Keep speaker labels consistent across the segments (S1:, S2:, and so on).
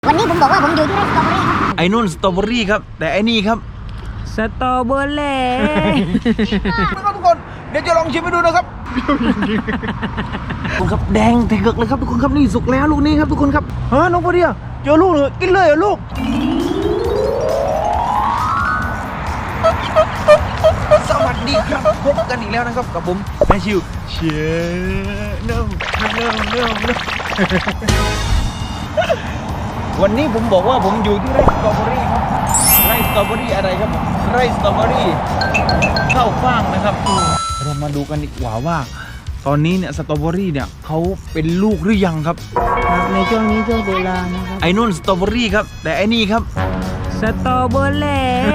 S1: วันนี้ผมบอกว่าผมอยู่ที่ไร่สตรอเบอรี่ครับ
S2: ไอ้นุ่นสตรอเบอรี่ครับแต่ไอ้นี่ครับ
S3: สตรอเบอรี่
S2: นะครับทุกคนเดี๋ยวจะลองชิมให้ดูนะครับทุกคนครับแดงแต่เกิกเลยครับทุกคนครับนี่สุกแล้วลูกนี้ครับทุกคนครับฮะน้องพอดีเจอลูกเลยกินเลยเหรอลูกสวัสดีครับพบกันอีกแล้วนะครับกับผมแมชิวเชียร์เน่าวันนี้ผมบอกว่าผมอยู่ที่ไร่สตรอเบอรี่ครับไร่สตรอเบอรี่อะไรครับไร่สตรอเบอรี่ข้าวฟ่างนะครับเรามาดูกันดีกว่าว่าตอนนี้เนี่ยสตรอเบอรี่เนี่ยเขาเป็นลูกหรือยังครับ
S3: ครับในช่วงนี้ช่วงตุลานะครับ
S2: ไอ้นุ่นสตรอเบอรี่ครับแต่ไอ้นี่ครับ
S3: สตรอเบอรี่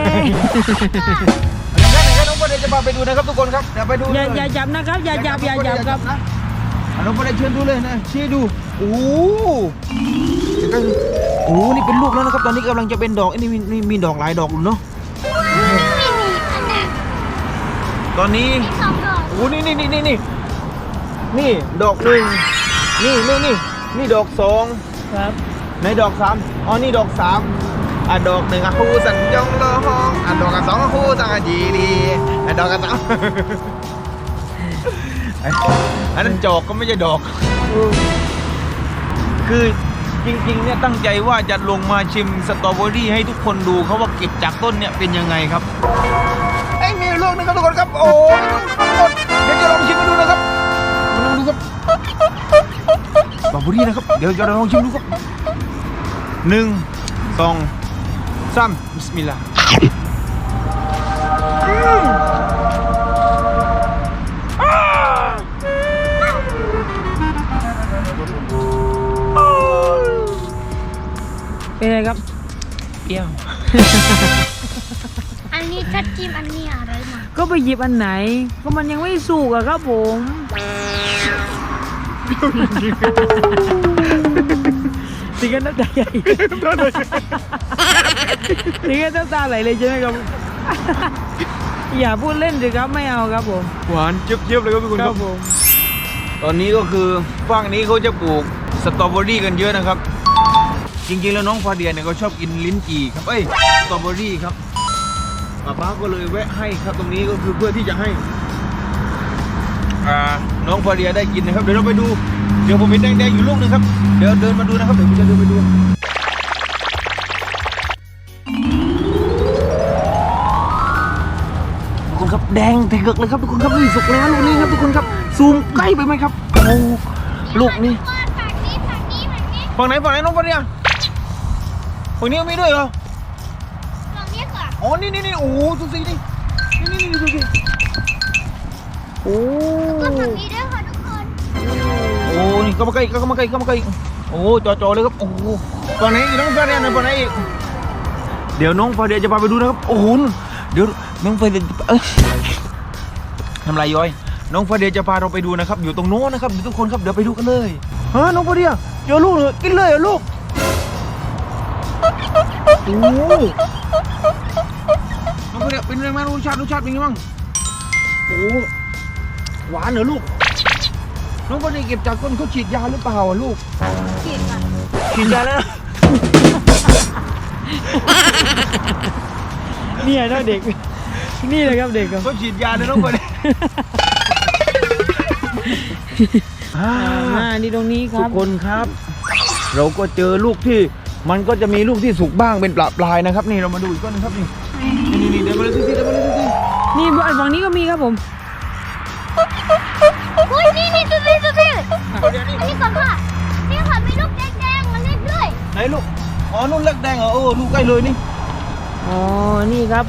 S2: งั้นน้องประเดชจะพาไปดูนะครับทุกคนครับเดี๋ยวไปดู
S3: อย่าจับนะครับอย่าจับครับ
S2: นะน้องประเดชเชิญดูเลยนะชี้ดูโอ้โหโอ้โหนี่เป็นลูกแล้วนะครับตอนนี้กำลังจะเป็นดอกนี่มีดอกหลายดอกเนาะตอนนี้โอ้นี่ดอกหนึ่งนี่ดอกสอง
S3: ครับ
S2: ในดอกสามอ๋อนี่ดอกสามดอกหนึ่งคู่สัญจงละห้องดอกสองคู่สังจีดีดอกสามอันนั้นจอกก็ไม่ใช่ดอกคือจริงๆเนี่ยตั้งใจว่าจะลงมาชิมสตรอเบอรี่ให้ทุกคนดูเขาว่าเก็บจากต้นเนี่ยเป็นยังไงครับไอ้มีลูกนึงครับทุกคนครับโอ้ยทุกคนเดี๋ยวจะลองชิมให้ดูนะครับลองดูครับสตรอเบอรี่นะครับเดี๋ยวจะลองชิมดูครับ1 2 3บิสมิลลาห์
S3: เป็นไงครับเปรี้ยว
S1: อันนี้ชัดจิ้มอันนี้อะไรมา
S3: ก็ไปหยิบอันไหนก็มันยังไม่สุกอะครับผมถึงกันน้ำตาใหญ่ถึงกันน้ำตาไหลเลยใช่ไหมครับ อย่าพูดเล่นสิครับไม่เอาครับผม
S2: หวานเจี๊ยบๆเลยครับทุกคน
S3: ค
S2: ค
S3: รั
S2: รั
S3: บบ ผม
S2: ตอนนี้ก็คือฝั่งนี้เขาจะปลูกสตรอเบอรี่กันเยอะนะครับจริงๆแล้วน้องฟาเดียเนี่ยเขาชอบกินลิ้นจี่ครับสตรอเบอรี่ครับป้าก็เลยแวะให้ครับตรงนี้ก็คือเพื่อที่จะให้น้องฟาเดียได้กินนะครับเดี๋ยวเราไปดูเดี๋ยวผมเห็นแดงๆอยู่ลูกนึงครับเดี๋ยวเดินมาดูนะครับเดี๋ยวผมจะเดินไปดูทุกคนครับแดงแต่เกิกเลยครับทุกคนครับนี่สุกแล้วลูกนี้ครับทุกคนครับซูมใกล้ไปไหมครับโอ้ลูกนี้ฝั่งไหนน้องฟาเดียฝั่งนี้มีด้วยเหรอ
S1: ลองเรียกก่อน
S2: อ๋อนี่โอ้โหดูสินี่ดูสิโอ้
S1: ก็ฝั่งนี้ด้วยค่ะทุกคน
S2: โอ้นี่เข้ามาใกล้โอ้จอเลยครับโอ้โหฝั่งไหนอีกน้องฟาเดียฝั่งไหนอีกเดี๋ยวน้องฟาเดียจะพาไปดูนะครับโอ้โหเดี๋ยวน้องฟาเดียทำไรย้อยน้องฟาเดียจะพาเราไปดูนะครับอยู่ตรงโน้นนะครับทุกคนครับเดี๋ยวไปดูกันเลยฮะน้องฟาเดียเจอลูกเลยกินเลยเหรอลูกโอ้น้องฟาเดียเป็นไงบ้างรสชาติเป็นไงบ้างโอ้หวานเหรอลูกน้องฟาเดียเก็บจากต้นเขาฉีดยาหรือเปล่าลูก
S1: ฉีดค่ะ
S2: ฉีดยาแล้ว
S3: เนี่ยนะเด็กนี่เลยครับเด็กครับ
S2: เขาฉีดยาเลยน้องฟาเดีย
S3: นี่ตรงนี้ค
S2: ทุ
S3: รั
S2: ก
S3: บ
S2: คนครับ เราก็เจอลูกที่มันก็จะมีลูกที่สุกบ้างเป็นปลายนะครับนี่เรามาดูอีกต้นนึงครับนี่เดี๋ยวมาเลยสิ
S3: นี่ฝั่งนี้ก็มีครับผม
S1: อุ้ยนี่ตัวนี้อันนี้ก่อนค่ะนี่ค่ะมีลูกแดงๆมาเล่นด้วย
S2: ไหนลูกอ๋อนุ่นเล็กแดงเหรอลูกใกล้เลยนี่
S3: อ๋อนี่ครับ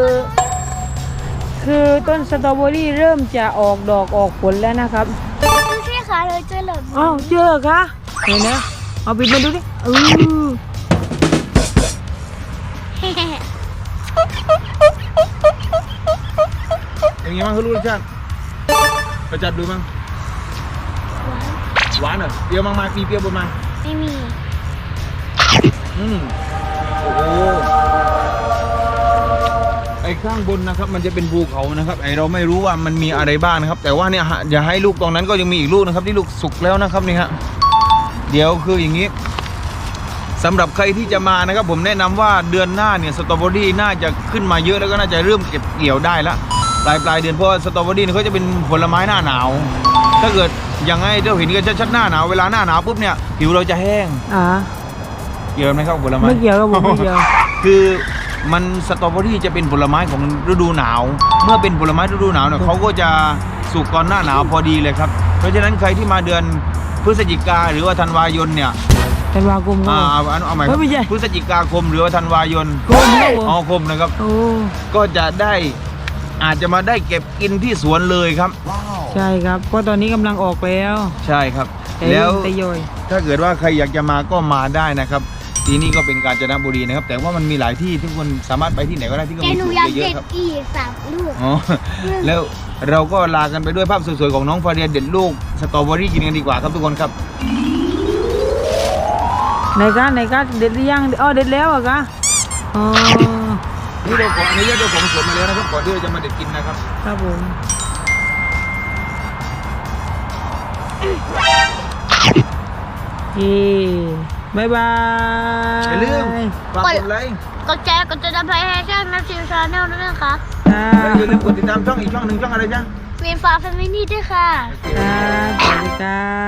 S3: คือต้นสตรอเบอรี่เริ่มจะออกดอกออกผลแล้วนะครับ
S1: ดูสิค่ะเลยเจอเหลือง
S3: อ้าวเจอคะเห็นนะเอาปิดมาดูดิ
S2: อย่างงี้มั้งเขารู้รสชาติเราจัดดูมั้งหวานเหรอเปรี้ยวมากๆมีเปรี้ยวบนมา
S1: ไม่มี
S2: โอ้โหไอ้ข้างบนนะครับมันจะเป็นภูเขานะครับไอเราไม่รู้ว่ามันมีอะไรบ้างนะครับแต่ว่าเนี่ยอย่าให้ลูกตรงนั้นก็ยังมีอีกลูกนะครับที่ลูกสุกแล้วนะครับนี่ฮะเดี๋ยวคืออย่างนี้สำหรับใครที่จะมานะครับผมแนะนำว่าเดือนหน้าเนี่ยสตรอเบอรี่น่าจะขึ้นมาเยอะแล้วก็น่าจะเริ่มเก็บเกี่ยวได้ละปลายเดือนเพราะว่าสตรอเบอรี่เนี่ยเขาจะเป็นผลไม้หน้าหนาว ถ้าเกิดอย่างไงเจ้าเห็นกันชัดๆหน้าหนาวเวลาหน้าหนาวปุ๊บเนี่ยผิวเราจะแห้ง เกี่ยวไหมครับผลไม้
S3: ไม่เกี่ยวครับผมไม่เกี่ยว
S2: คือมันสตรอเบอรี่จะเป็นผลไม้ของฤดูหนาว เมื่อเป็นผลไม้ฤดูหนาวเนี่ยเขาก็จะสุกก่อนหน้าหนาวพอดีเลยครับเพราะฉะนั้นใครที่มาเดือนพฤศจิกาหรือว่าธันวายนเนี่ย
S3: ธันวาคมก็
S2: เอาใหม่ครับ
S3: ไม่ใช่
S2: พฤศจิกาคมหรือว่าธันวายน
S3: คมครับผม
S2: อ๋อคมนะครับ
S3: โอ้
S2: ก็จะได้อาจจะมาได้เก็บกินที่สวนเลยครับ
S3: ใช่ครับเพราะตอนนี้กำลังออกแล้ว
S2: ใช่ครับ
S3: แต่
S2: แล้ว
S3: แต่ย่อย
S2: ถ้าเกิดว่าใครอยากจะมาก็มาได้นะครับที่นี่ก็เป็นกาญจนบุรีนะครับ แต่ว่ามันมีหลายที่ทุกคนสามารถไปที่ไหนก็ได้ที่ก็
S1: แต่
S2: มี
S1: หนู
S2: สวน
S1: อยาก
S2: เย
S1: เด็
S2: อะ
S1: ด
S2: ๆครับ
S1: อีก3 ลูก
S2: อ๋อแล้วเราก็ลากันไปด้วยภาพสวยๆของน้องฟาเรียเด็ดลูกสตรอเบอรี่กินกันดีกว่าครับทุกคนครับ
S3: ในการเด็ดหรือยังอ๋อเด็ดแล้วเหรอะคะอ๋อ
S2: นี่เราขออนุญาตเจ้าของสวนมาแล้วนะครับก่อนที่เราจะมาเด็ดกินนะครับ
S3: ครับผมบายบาย
S2: อย่าลืมฝากกดไลค์
S1: กดแชร์กดติดตามให้ช่องแมทธิวชาแนลด้วยนะคะ
S2: และอย่าลืมกดติดตามช่องอีกช่องหนึ่งช่องอะไรจ๊ะ
S1: เวียนฟ้าแฟมิลี่ด้วยค่ะ
S3: ครับสวัสดีครับ